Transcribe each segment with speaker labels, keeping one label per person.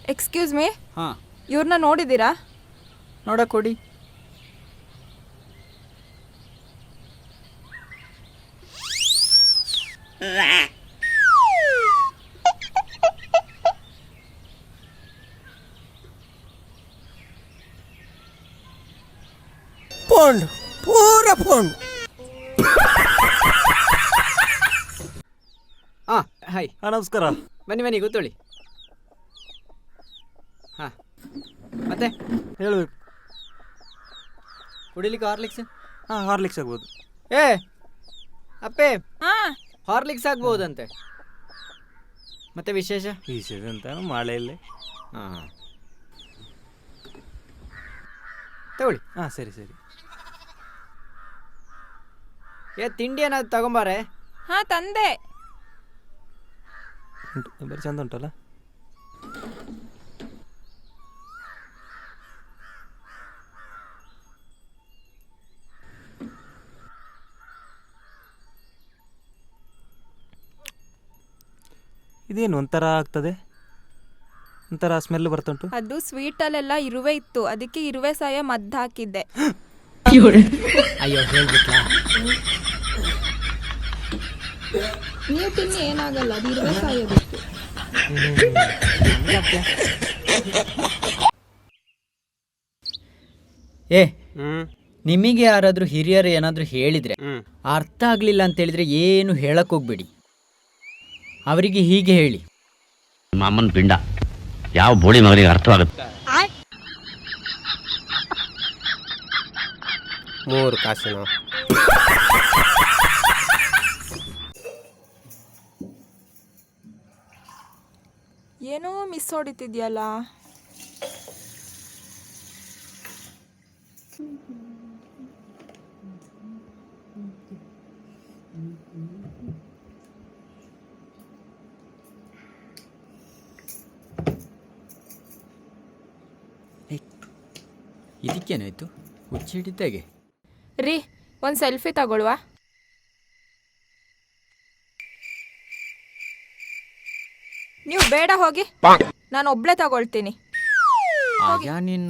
Speaker 1: Excuse me,
Speaker 2: ಹಾಂ,
Speaker 1: ಇವ್ರನ್ನ ನೋಡಿದ್ದೀರಾ?
Speaker 2: ನೋಡಕ್ಕೆ ಕೊಡಿ.
Speaker 3: ಪೋಂಡು ಪೂರ ಪೋಂಡು.
Speaker 2: ಹಾಂ, ಹಾಯ್,
Speaker 4: ನಮಸ್ಕಾರ.
Speaker 2: ಬನ್ನಿ ಕೂತ್ಕೊಳ್ಳಿ. ಹಾಂ, ಮತ್ತೆ
Speaker 4: ಹೇಳ್ಬೇಕು.
Speaker 2: ಕುಡಿಲಿಕ್ಕೆ ಹಾರ್ಲಿಕ್ಸ್?
Speaker 4: ಹಾಂ, ಹಾರ್ಲಿಕ್ಸ್ ಆಗ್ಬೋದು.
Speaker 2: ಏ ಅಪ್ಪೆ,
Speaker 1: ಹಾಂ,
Speaker 2: ಹಾರ್ಲಿಕ್ಸ್ ಆಗ್ಬೋದಂತೆ. ಮತ್ತೆ ವಿಶೇಷ?
Speaker 4: ವಿಶೇಷ ಅಂತ ಮಳೆಯಲ್ಲೇ.
Speaker 2: ಹಾಂ, ತಗೊಳ್ಳಿ.
Speaker 4: ಹಾಂ, ಸರಿ ಸರಿ.
Speaker 2: ತಿಂಡಿ ಏನಾದ್ರು ತಗೊಂಬಾರೆ.
Speaker 1: ಹಾಂ ತಂದೆ.
Speaker 4: ಬರೀ ಚಂದ ಉಂಟಲ್ಲ. ಇದೇನು ಒಂಥರ ಆಗ್ತದೆ, ಒಂಥರ ಸ್ಮೆಲ್ ಬರ್ತುಂಟು.
Speaker 1: ಅದು ಸ್ವೀಟಲ್ಲೆಲ್ಲ ಇರುವೆ ಇತ್ತು, ಅದಕ್ಕೆ ಇರುವೆ ಸಾಯ ಮದ್ದು ಹಾಕಿದ್ದೆ.
Speaker 2: ಅಯ್ಯೋ, ಹೇಳ್ಬಿಟ್ಲಾ?
Speaker 1: ನೀವು ತಿನ್ನಿ, ಏನಾಗಲ್ಲ, ಅದು ಇರುವೆ ಸಾಯೋದಕ್ಕೆ.
Speaker 2: ಏ, ನಿಮಗೆ ಯಾರಾದರೂ ಹಿರಿಯರು ಏನಾದರೂ ಹೇಳಿದರೆ ಅರ್ಥ ಆಗಲಿಲ್ಲ ಅಂತ ಹೇಳಿದ್ರೆ ಏನು ಹೇಳಕ್ ಹೋಗ್ಬೇಡಿ. ಅವರಿಗೆ ಹೀಗೆ ಹೇಳಿ,
Speaker 5: ಮಾಮನ್ ಪಿಂಡ ಯಾವ ಬೋಳಿ ಮಗನಿಗೆ ಅರ್ಥವಾಗುತ್ತೆ.
Speaker 3: 3 ಕಾಸಿನ
Speaker 1: ಏನೋ ಮಿಸ್ ಹೊಡಿತಿದ್ಯಲ್ಲ.
Speaker 2: ಇದಕ್ಕೇನಾಯ್ತು? ಹುಚ್ಚಿಡಿದ್ದಾಗೆ.
Speaker 1: ರೀ, ಒಂದು ಸೆಲ್ಫಿ ತಗೊಳ್ವಾ? ನೀವು ಬೇಡ, ಹೋಗಿ, ನಾನು ಒಬ್ಳೆ ತಗೊಳ್ತೀನಿ.
Speaker 2: ಆಗ ನಿನ್ನ.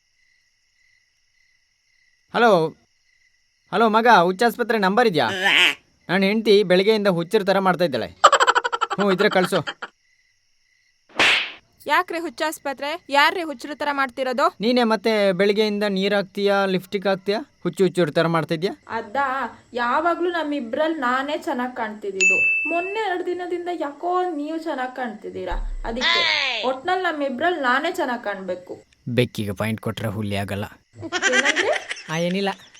Speaker 2: ಹಲೋ ಹಲೋ ಮಗ, ಹುಚ್ಚಾಸ್ಪತ್ರೆ ನಂಬರ್ ಇದೆಯಾ? ನಾನು ಹೆಂಡ್ತಿ ಬೆಳಗ್ಗೆಯಿಂದ ಹುಚ್ಚರ ಥರ ಮಾಡ್ತಾ ಇದ್ದಾಳೆ. ಇದ್ರೆ ಕಳಿಸು.
Speaker 1: ಯಾಕ್ರಿ ಹುಚ್ಚಾಸ್ಪತ್ರೆ? ಯಾರ್ರೀ ಹುಚ್ಚರ ಥರ ಮಾಡ್ತಿರೋದು?
Speaker 2: ನೀನೇ ಮತ್ತೆ ಬೆಳಗ್ಗೆಯಿಂದ ನೀರು ಹಾಕ್ತೀಯಾ, ಲಿಫ್ಟಿಕ್ ಹಾಕ್ತೀಯಾ, ಹುಚ್ಚರ ಥರ ಮಾಡ್ತಾ ಇದೆಯಾ?
Speaker 1: ಯಾವಾಗ್ಲೂ ನಮ್ಮಿಬ್ರಲ್ಲಿ ನಾನೇ ಚೆನ್ನಾಗಿ ಕಾಣ್ತಿದ್ದು. ಮೊನ್ನೆ 2 ದಿನದಿಂದ ಯಾಕೋ ನೀವು ಚೆನ್ನಾಗಿ ಕಾಣ್ತಿದ್ದೀರಾ. ಅದಕ್ಕೆ ಒಟ್ನಲ್ಲಿ ನಮ್ಮಿಬ್ರಲ್ಲಿ ನಾನೇ ಚೆನ್ನಾಗಿ ಕಾಣ್ಬೇಕು.
Speaker 2: ಬೆಕ್ಕಿಗೆ ಪಾಯಿಂಟ್ ಕೊಟ್ರೆ ಹುಲಿ ಆಗಲ್ಲ. ಏನಿಲ್ಲ.